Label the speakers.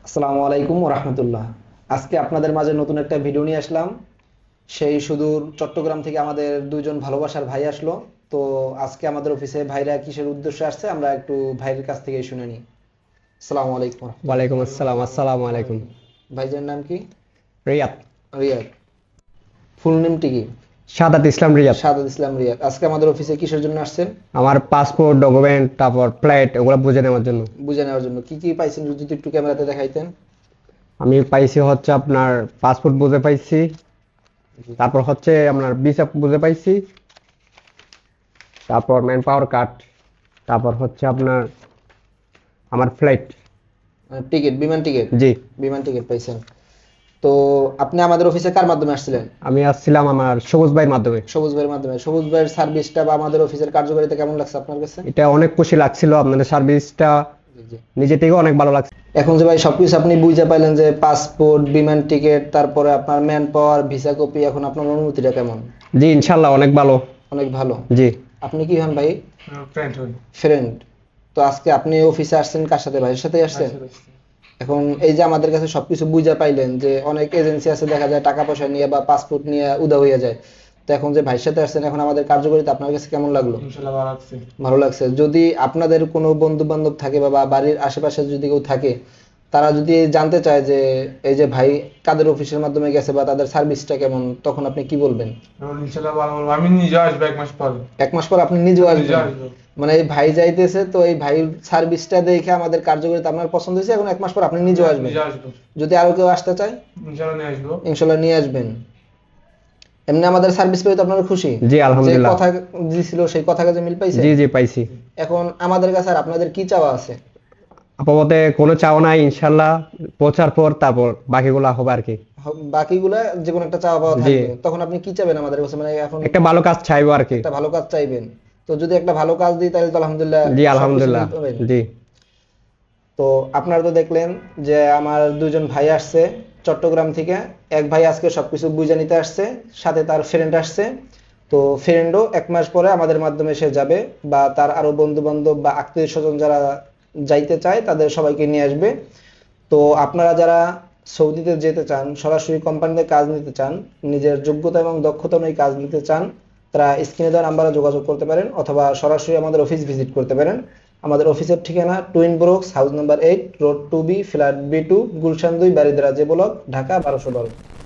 Speaker 1: আসসালামু আলাইকুম ওয়া রাহমাতুল্লাহ। আজকে আপনাদের মাঝে নতুন একটা ভিডিও নিয়ে আসলাম। সেই সুদূর চট্টগ্রাম থেকে আমাদের দুইজন ভালোবাসার ভাই আসলো। তো আজকে আমাদের অফিসে ভাইরা কিসের উদ্দেশ্যে আসছে আমরা একটু ভাইয়ের কাছ থেকে শুনে নিই। আসসালামু আলাইকুম ওয়া রাহমাতুল্লাহ।
Speaker 2: ওয়ালাইকুম আসসালাম। আসসালামু আলাইকুম।
Speaker 1: ভাইজার নাম কি?
Speaker 2: রিয়াদ।
Speaker 1: রিয়াদ। ফুল নেমটি কি?
Speaker 2: সাদাত ইসলাম রিয়াদ।
Speaker 1: সাদাত ইসলাম রিয়াদ। আজকে আমাদের অফিসে কিসের জন্য আসছেন?
Speaker 2: আমার পাসপোর্ট ডকুমেন্ট তারপর ফ্লাইট ওগুলো বুঝে নেওয়ার জন্য।
Speaker 1: বুঝে নেওয়ার জন্য। কি কি পাইছেন যদি একটু ক্যামেরাতে দেখাইতেন।
Speaker 2: আমি পাইছি হচ্ছে আপনার পাসপোর্ট বুঝে পাইছি, তারপর হচ্ছে আপনার ভিসা বুঝে পাইছি, তারপর ম্যান পাওয়ার কার্ড, তারপর হচ্ছে আপনার আমার ফ্লাইট।
Speaker 1: টিকিট, বিমান টিকিট।
Speaker 2: জি।
Speaker 1: বিমান টিকিট পাইছেন। তো আপনি আমাদের অফিসে কার মাধ্যমে আসছিলেন?
Speaker 2: আমি আসছিলাম আমার সবুজ ভাইয়ের মাধ্যমে।
Speaker 1: সবুজ ভাইয়ের মাধ্যমে। সবুজ ভাইয়ের সার্ভিসটা বা আমাদের অফিসের কার্যকারিতা কেমন লাগছে আপনার কাছে?
Speaker 2: এটা অনেক খুশি লাগছিল, আপনাদের সার্ভিসটা
Speaker 1: জি, জি।
Speaker 2: নিজে থেকে অনেক ভালো লাগছে।
Speaker 1: এখন যে ভাই সবকিছু আপনি বুঝে পাইলেন যে পাসপোর্ট, বিমান টিকিট, তারপরে আপনার ম্যান পাওয়ার, ভিসা কপি, এখন আপনার অনুভূতিটা কেমন?
Speaker 2: জি ইনশাল্লাহ অনেক ভালো।
Speaker 1: অনেক ভালো।
Speaker 2: জি।
Speaker 1: আপনি কি হন ভাই?
Speaker 3: ফ্রেন্ড হই।
Speaker 1: ফ্রেন্ড। তো আজকে আপনি অফিসে আসছেন কার সাথে? ভাইয়ের সাথে আসছেন? এখন এই যে আমাদের কাছে সবকিছু বুঝা পাইলেন যে অনেক এজেন্সি আছে দেখা যায় টাকা পয়সা নিয়ে বা পাসপোর্ট নিয়ে উদা হয়ে যায়। তো এখন যে ভাইয়ের সাথে আসছেন এখন আমাদের কার্যকারিতা আপনার কাছে কেমন লাগলো?
Speaker 3: ইনশাআল্লাহ ভালো লাগছে।
Speaker 1: ভালো লাগছে। যদি আপনাদের কোনো বন্ধু বান্ধব থাকে বা বাড়ির আশেপাশে যদি কেউ থাকে তারা যদি জানতে চায় যে এই যে ভাই কাদের অফিসের মাধ্যমে গেছে বা তাদের সার্ভিসটা কেমন, তখন আপনি কি বলবেন?
Speaker 3: ইনশাআল্লাহ ভালো বলবো। আমি নিজে আসবো 1 মাস পরে।
Speaker 1: 1 মাস পর আপনি নিজেও
Speaker 3: নিজে
Speaker 1: আসবেন?
Speaker 3: আসবো।
Speaker 1: মানে এই ভাই যাইতেছে তো এই ভাই সার্ভিসটা দেখে আমাদের কার্যকারিতা আপনার পছন্দ হয়েছে, এখন 1 মাস পর আপনি নিজেও আসবেন?
Speaker 3: নিজে আসবো।
Speaker 1: যদি আরো কেউ আসতে চায়
Speaker 3: ইনশাআল্লাহ নিয়ে আসবো।
Speaker 1: ইনশাল্লাহ নিয়ে আসবেন। এমনি আমাদের সার্ভিস পেয়ে তো আপনারা খুশি?
Speaker 2: জি
Speaker 1: যে
Speaker 2: আলহামদুলিল্লাহ।
Speaker 1: কথা দিছিল সেই কথা কাজে মিল পাইছে?
Speaker 2: জি জি পাইছি।
Speaker 1: এখন আমাদের কাছে আর আপনাদের কি চাওয়া আছে?
Speaker 2: আপাতত কোনো চাওয়া নাই, ইনশাল্লাহ পৌঁছার পর তারপর বাকিগুলা হবে আর কি।
Speaker 1: বাকিগুলা যে কোনো একটা চাওয়া পাওয়া
Speaker 2: জি।
Speaker 1: থাকবে, তখন আপনি কি চাইবেন আমাদের কাছে? মানে এখন
Speaker 2: একটা ভালো কাজ চাইবো আর কি।
Speaker 1: একটা ভালো কাজ চাইবেন। তো যদি একটা ভালো কাজ দিই তাহলে তো আলহামদুলিল্লাহ
Speaker 2: জি
Speaker 1: সবকিছু
Speaker 2: আলহামদুলিল্লাহ।
Speaker 1: মিল পাবেন।
Speaker 2: জি।
Speaker 1: তো আপনারা তো দেখলেন যে আমার দুজন ভাই আসছে চট্টগ্রাম থেকে। এক ভাই আজকে সবকিছু বুঝে নিতে আসছে, সাথে তার ফ্রেন্ড আসছে। তো ফ্রেন্ডও 1 মাস পরে আমাদের মাধ্যমে সে যাবে, বা তার আরো বন্ধু বান্ধব বা আত্মীয় স্বজন যারা যাইতে চায় তাদের সবাইকে নিয়ে আসবে। তো আপনারা যারা সৌদিতে যেতে চান, সরাসরি কোম্পানিতে কাজ নিতে চান, নিজের যোগ্যতা এবং দক্ষতা অনুযায়ী কাজ নিতে চান, তারা স্ক্রিনে দেওয়া নাম্বারে যোগাযোগ করতে পারেন অথবা সরাসরি আমাদের অফিস ভিজিট করতে পারেন। আমাদের অফিসের ঠিকানা twin brooks, house number 8, road 2B, flat B2, Gulshan 2, Baridhara, J block, Dhaka 1212।